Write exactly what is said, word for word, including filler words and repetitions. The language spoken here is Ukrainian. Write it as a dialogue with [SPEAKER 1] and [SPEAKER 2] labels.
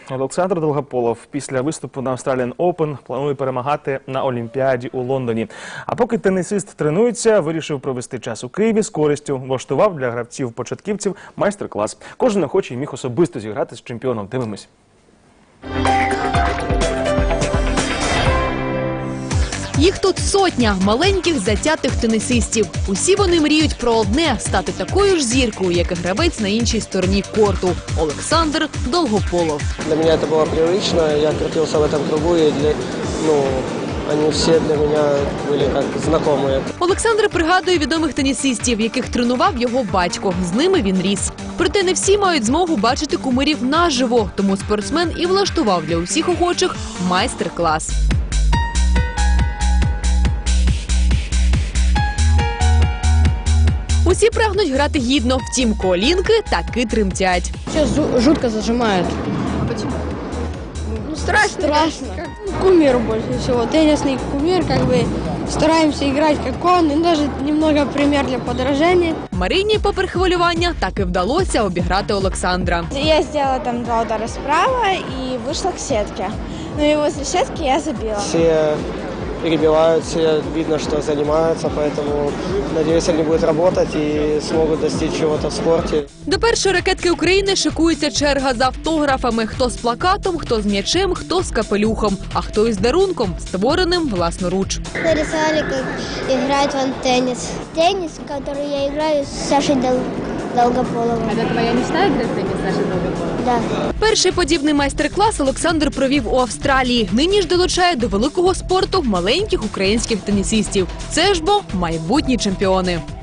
[SPEAKER 1] Олександр Долгополов після виступу на Australian Open планує перемагати на Олімпіаді у Лондоні. А поки тенісист тренується, вирішив провести час у Києві з користю. Влаштував для гравців-початківців майстер-клас. Кожен охочий міг особисто зіграти з чемпіоном. Дивимось.
[SPEAKER 2] Їх тут сотня маленьких затятих тенісистів. Усі вони мріють про одне – стати такою ж зіркою, як і гравець на іншій стороні корту – Олександр Долгополов.
[SPEAKER 3] Для меня это было привычно, я крутился в этом кругу, и для, ну, они все для меня были как знакомые.
[SPEAKER 2] Олександр пригадує відомих тенісистів, яких тренував його батько. З ними він ріс. Проте не всі мають змогу бачити кумирів наживо, тому спортсмен і влаштував для усіх охочих майстер-клас. Усі прагнуть грати гідно, втім колінки таки тремтять.
[SPEAKER 4] Сейчас жутко зажимает.
[SPEAKER 2] А почему?
[SPEAKER 4] Ну, страшно. Страшно. Кумир больше всего. Теннисный кумир, как бы стараемся играть как он, и даже немного пример для подражания.
[SPEAKER 2] Марині, попри хвилювання, таки вдалося обіграти Олександра.
[SPEAKER 5] Я сделала там два удара справа и вышла к сетке. Ну и возле сетки я забила.
[SPEAKER 3] Все перебивают, все видно, что занимаются, поэтому, надеюсь, они будут работать и смогут достичь чего-то в спорте.
[SPEAKER 2] До першої ракетки України шикується черга з автографами. Хто з плакатом, хто з м'ячем, хто з капелюхом, а хто із дарунком, створеним власноруч.
[SPEAKER 6] Нарисовали, как играть он теннис. Теннис, который я играю с Сашей Дол... Долгополовым.
[SPEAKER 2] Это твоя мечта играть в теннис, Саша Долгополов?
[SPEAKER 6] Да.
[SPEAKER 2] Перший подібний майстер-клас Олександр провів у Австралії. Нині ж долучає до великого спорту маленьких українських тенісистів. Це ж бо майбутні чемпіони.